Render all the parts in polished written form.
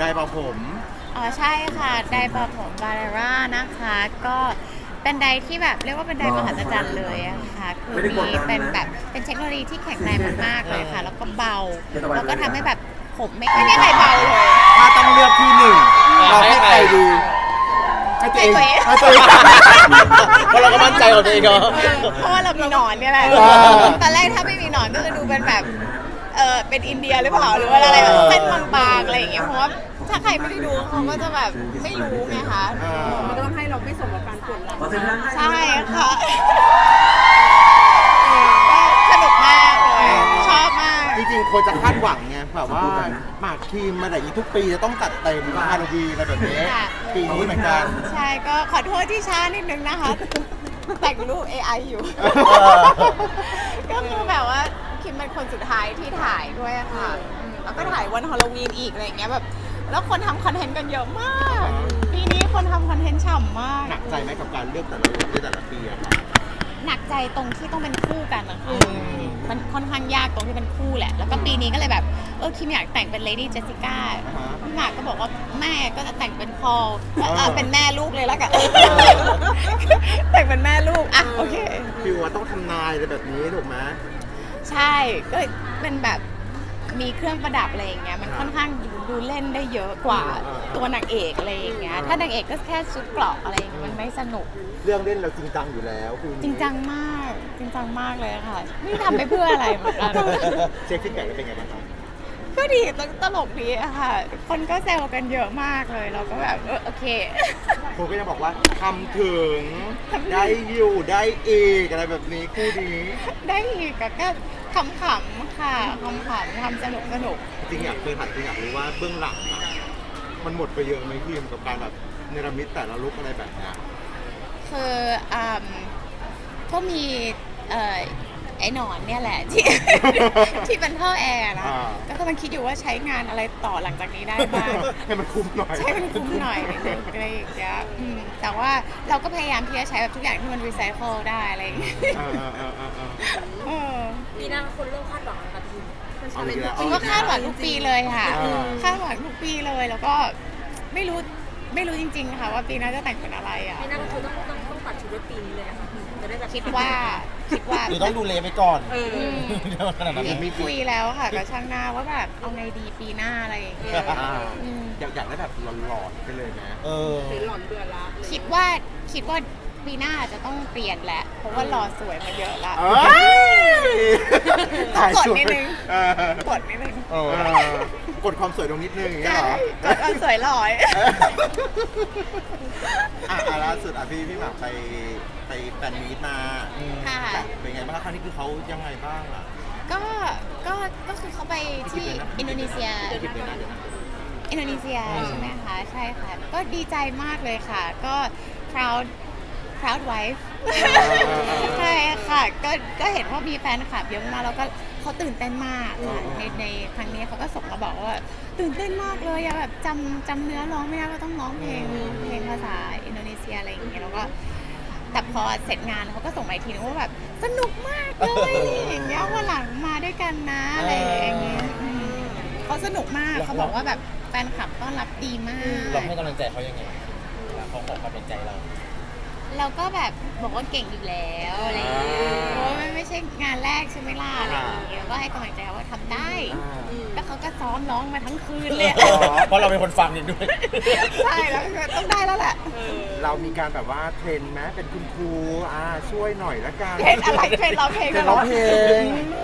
ดเป่าผมอ๋อใช่ค่ะไดร์เป่าผมบาร์ร่านะคะก็เป็นไดร์ที่แบบเรียกว่าเป็นไดร์มหัศจรรย์เลยอะค่ะคือมีเป็นแบบเป็นเทคโนโลยีที่แข็งแรงมากๆเลยค่ะแล้วก็เบาแล้วก็ทำให้แบบผมไม่มีใครเบาเลยถ้าต้องเลือกที่หนึ่งเราให้ใครดีให้ตัวเองให้ตัวเองเพราะเราก็มั่นใจของตัวเองเนาะเพราะว่าเรามีหนอนเนี่ยแหละตอนแรกถ้าไม่มีหนอนก็จะดูเป็นแบบเป็นอินเดียหรือเปล่าหรือว่าอะไรแบบเส้นบางๆอะไรอย่างเงี้ยเพราะว่าถ้าใครไม่ได้ดูเขาก็จะแบบไม่รู้ไงคะมันต้องให้เราไม่สมกับการปวดหลังใช่ค่ะสนุกมากเลยชอบมากจริงๆควรจะคาดหวังไงแบบว่าหมากทีมมาแต่นี้ทุกปีจะต้องจัดเต็มฮาโลวีนอะไรแบบนี้ปีนี้เหมือนกันใช่ก็ขอโทษที่ช้านิดนึงนะคะ แต่งรูป AI อยู่ ก็คือแบบว่าคิมเป็นคนสุดท้ายที่ถ่ายด้วยอะค่ะแล้วก็ถ่ายวันฮาโลวีนอีกอะไรอย่างเงี้ยแบบแล้วคนทำคอนเทนต์กันเยอะมากปีนี้คนทำคอนเทนต์ฉ่ำมากหนักใจไหมกับการเลือกแต่ละลุคในแต่ละปีอะครับหนักใจตรงที่ต้องเป็นคู่กันนะคะมันค่อนข้างยากตรงที่เป็นคู่แหละ แล้วก็ปีนี้ก็เลยแบบคิมอยากแต่งเป็นเลดี้เจสสิก้าพี่หมากก็บอกว่าแม่ก็จะแต่งเป็นพอลเป็นแม่ลูกเลยแล้วกัน แต่งเป็นแม่ลูกอ่ะโอเคฟิวว่าต้องทำนายอะไรแบบนี้ถูกไหมใช่ก็เป็นแบบมีเครื่องประดับอะไรอย่างเงี้ยมันค่อนข้างดูเล่นได้เยอะกว่าตัวนางเอกอะไรอย่างเงี้ยถ้านางเอกก็แค่ชุดเกราะอะไรอย่างเงี้ยมันไม่สนุกเรื่องเล่นเราจริงจังอยู่แล้วคือจริงจังมากจริงจังมากเลยค่ะไม่ทำไปเพื่ออะไรเหมือนกันเช็คฟีดแบ็กแล้วเป็นไงบ้างครับก็ดีตลกดีอะค่ะ คนก็แซวกันเยอะมากเลยเราก็แบบโอเคคนก็ยังบอกว่าทำถึงได้อยู่ได้อีกอะไรแบบนี้คู่นี้ได้อีกก็ขำๆค่ะขำๆทำสนุกจริงอยากเคยถามจริงอยากรู้ว่าเบื้องหลังอะมันหมดไปเยอะไหมพี่กับการแบบเนรมิตแต่ละลุคอะไรแบบเนี้ยคือก็มีไอ้หนอนเนี่ยแหละที่ ที่เป็นท่อแอร์นะก็กำลังคิดอยู่ว่าใช้งานอะไรต่อหลังจากนี้ได้บ้างให้มันคุ้มหน่อยใช้มันคุ้มหน่อยอะไรอย่างเงี้ยแต่ว่าเราก็พยายามที่จะใช้แบบทุกอย่างที่มันรีไซเคิลได้อะไรอย่างเงี้ยปีหน้าคนเริ่มคาดหวังแล้วค่ะพี่มันชาเลนจ์จริงก็คาดหวังทุกปีเลยค่ะคาดหวังทุกปีเลยแล้วก็ไม่รู้จริงๆค่ะว่าปีหน้าจะแต่งเป็นอะไรอ่ะปีหน้าก็คือต้องตัดชุดไว้ปีนี้เลยนะคะจะได้แบบคิดว่าหรือต้องดูเลไปก่อนเดี๋ยวขนาดนั้นมีคุยแล้วค่ะกับช่างหน้าว่าแบบเอาไงดีปีหน้าอะไรอย่างเงี้ยอยากได้แบบหลอนๆไปเลยนะหรือหล่อนเบื่อละคิดว่าปีหน้าจะต้องเปลี่ยนแหละเพราะว่าหล่อสวยมาเยอะละ ต้องกดนิดนึงกดนิดนึงกดความสวยตรงนิดนึงอย่างเงี้ยใช่เหรอกดเอาสวยหล่อยล่าสุดพี่หมากไปแฟนมีตมาค่ะเป็นไงบ้างคะครั้งนี้คือเขายังไงบ้างอ่ะก็คือเขาไปที่อินโดนีเซียได้ผิดเลยนะเดี๋ยวนะอินโดนีเซียใช่ไหมคะ ใช่ค่ะ ก็ดีใจมากเลยค่ะ ก็ proud wife ใช่ค่ะ ก็เห็นว่ามีแฟนคลับเยอะมากแล้วก็เขาตื่นเต้นมากค่ะในครั้งนี้เขาก็ส่งมาบอกว่าตื่นเต้นมากเลยอะแบบจำเนื้อร้องไม่ได้ก็ต้องร้องเพลงภาษาอินโดนีเซียอะไรอย่างเงี้ยแล้วก็แต่พอเสร็จงานเขาก็ส่งมาอีกทีนึงว่าแบบสนุกมากเลยอย่างเงี้ยวันหลังมาด้วยกันนะอะไรอย่างเงี้ยเขาสนุกมากเขาบอกว่าแบบแฟนคลับต้อนรับดีมากเราให้กำลังใจเขายังไงเขาขอความเป็นใจเราเราก็แบบบอกว่าเก่งอยู่แล้วอะไรอย่างเงี้ยเพราะว่ามันไม่ใช่งานแรกใช่ไหมล่ะอะไรอย่างเงี้ยแล้วก็ให้กำลังใจว่าทำได้แล้วเขาก็ซ้อมร้องมาทั้งคืนเลยเพราะเราเป็นคนฟังเองด้วยใช่แล้วก็ต้องได้แล้วแหละเรามีการแบบว่าเทรนไหมเป็นคุณครูช่วยหน่อยละกันเทรนอะไรเทรนร้องเพลงเทรนร้องเพลง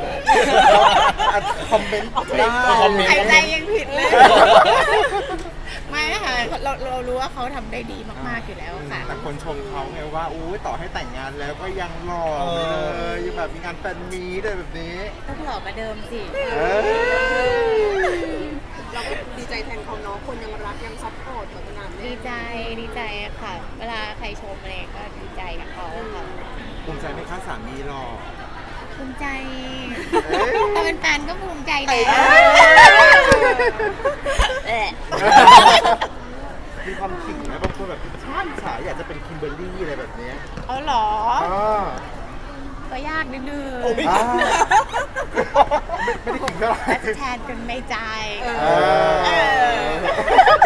คอมเมนต์ได้คอมเมนต์หายใจยังผิดเลยไม่ค่ะเรารู้ว่าเขาทำได้ดีมากๆอยู่แล้วค่ะแต่คนชมเขาไงว่าอู้ต่อให้แต่งงานแล้วก็ยังหล่อเลยยังแบบมีงานแฟนมีตเลยแบบนี้ต้องหล่อกว่าเดิมสิเราก็ดีใจแทนเขาเนาะคนยังรักยังซัพพอร์ตแบบนานดีใจค่ะ เวลาใครชมอะไรก็ดีใจกับเขาค่ะภูมิใจไหมคะสามีหล่อภูมิใจแต่เป็นแฟนก็ภูมิใจแหละมีความขิงไหมบางคนแบบช่างฉายอยากจะเป็นคิมเบอร์รี่อะไรแบบนี้เอาเหรอ ก็ยากนิดนึงไม่ได้ขิงเท่าไหร่แทนกันไม่ใจ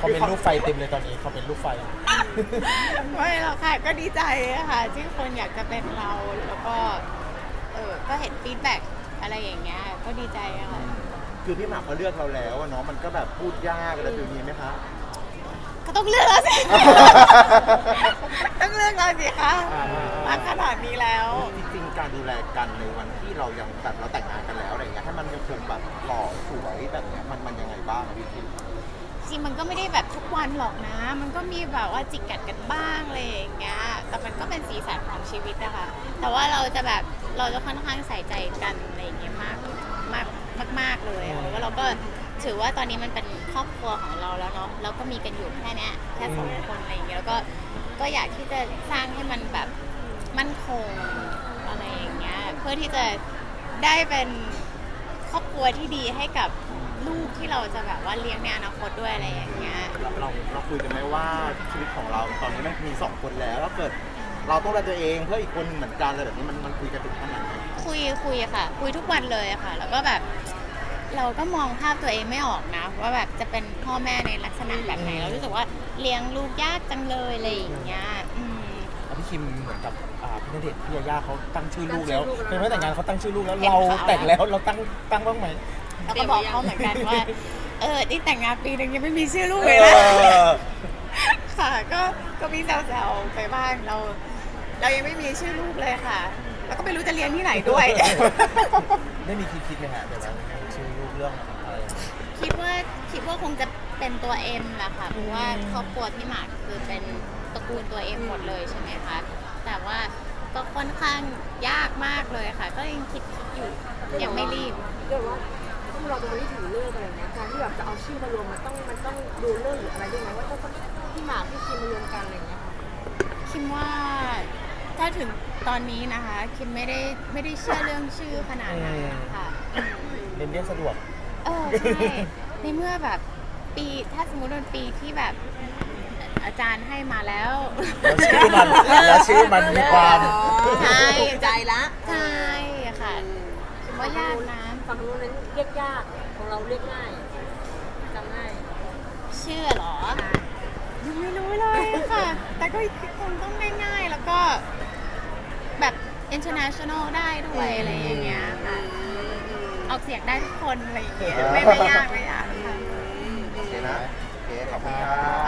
เขาเป็นรูปไฟเต็มเลยตอนนี้เขาเป็นรูปไฟไม่หรอกค่ะก็ดีใจอะค่ะที่คนอยากจะเป็นเราแล้วก็ก็เห็นฟีดแบ็กอะไรอย่างเงี้ยก็ดีใจอะค่ะคือพี่หมากเขาเลือกเราแล้วอะเนาะมันก็แบบพูดยากอะไรแบบนี้ไหมคะก็ต้องเลือกแล้วสิ ต้องเลือกเราสิคะมาขนาดนี้แล้วจริงๆการดูแลกันในวันที่เรายังแบบเราแต่งงานกันแล้วอะไรเงี้ยให้มันยังคงแบบหล่อสวยแบบเนี้ยมันยังไงบ้างอะพี่คิมจริงมันก็ไม่ได้แบบทุกวันหรอกนะ มันก็มีแบบว่าจิกกัดกันบ้างอะไรอย่างเงี้ย แต่มันก็เป็นสีสันของชีวิตนะคะ แต่ว่าเราจะแบบเราจะค่อนข้างใส่ใจกันอะไรอย่างเงี้ยมากเลยอะแล้วก็เราก็ถือว่าตอนนี้มันเป็นครอบครัวของเราแล้วเนาะเราก็มีกันอยู่แค่เนี้ยแค่สองคนอะไรอย่างเงี้ยแล้วก็อยากที่จะสร้างให้มันแบบมั่นคงอะไรอย่างเงี้ยเพื่อที่จะได้เป็นครอบครัวที่ดีให้กับลูกที่เราจะแบบว่าเลี้ยงในอนาคตด้วยอะไรอย่างเงี้ยเราคุยกันไหมว่าชีวิตของเราตอนนี้มันมี2 คนแล้วถ้าเกิดเราต้องดูแลตัวเองเพื่ออีกคนหนึ่งเหมือนกันอะไรแบบนี้มันคุยกันถึงขนาดไหนคุยอะค่ะ คุยทุกวันเลยอะค่ะ แล้วก็แบบเราก็มองภาพตัวเองไม่ออกนะ ว่าแบบจะเป็นพ่อแม่ในลักษณะแบบไหน เรารู้สึกว่าเลี้ยงลูกยากจังเลยอะไรอย่างเงี้ยพี่คิมเหมือนกับพี่ณเดชน์พี่ยาย่าเขาตั้งชื่อลูกแล้วตั้งชื่อลูกแล้วเป็นไม่แต่งงานเขาตั้งชื่อลูกแล้วเห็นเราข่าวแต่งแล้วเราตั้งบ้างไหมแล้วก็บอกเขาเหมือนกันว่านี่แต่งงานปีนึงยังไม่มีชื่อลูกเลยนะ ค่ะ ก็มีแซวๆไปบ้างเรายังไม่มีชื่อลูกเลยค่ะ แล้วก็ไม่รู้จะเรียนที่ไหนด้วยได้มีคิดไหมฮะแบบว่าชื่อลูกเรื่องอะไรคิดว่าคงจะเป็นตัวเอ็มแหละค่ะ เพราะว่าครอบครัวพี่หมากคือเป็นตระกูลตัวเอ็มหมดเลยใช่ไหมคะ แต่ว่าก็ค่อนข้างยากมากเลยค่ะ ก็ยังคิดอยู่ยังไม่รีบเรียกว่าต้องรอจนวันที่ถึงเลิกอะไรอย่างเงี้ยการที่แบบจะเอาชื่อมารวมมันต้องดูเลิกหรืออะไรด้วยไหมว่าต้องพี่หมากพี่คิมมารวมกันอะไรอย่างเงี้ยค่ะคิมว่าถ้าถึงตอนนี้นะคะ คิมไม่ได้เชื่อเรื่องชื่อขนาดนั้นค่ะเรียนสะดวกใช่ในเมื่อแบบถ้าสมมติเป็นปีที่แบบอาจารย์ให้มาแล้วแล้วชื่อมันมีความใช่ใจละใช่ค่ะคิดว่ายากนะฝั่งนู้นนั้นเรียกยากของเราเรียกง่ายจำง่ายชื่อเหรอ ยังไม่รู้เลยค่ะ แต่ก็คงต้องง่ายๆ แล้วก็แบบ international ได้ด้วยอะไรอย่างเงี้ยค่ะออกเสียงได้ทุกคนอะไรอย่างเงี้ยไม่ยากค่ะโอเคนะ โอเค ขอบคุณครับ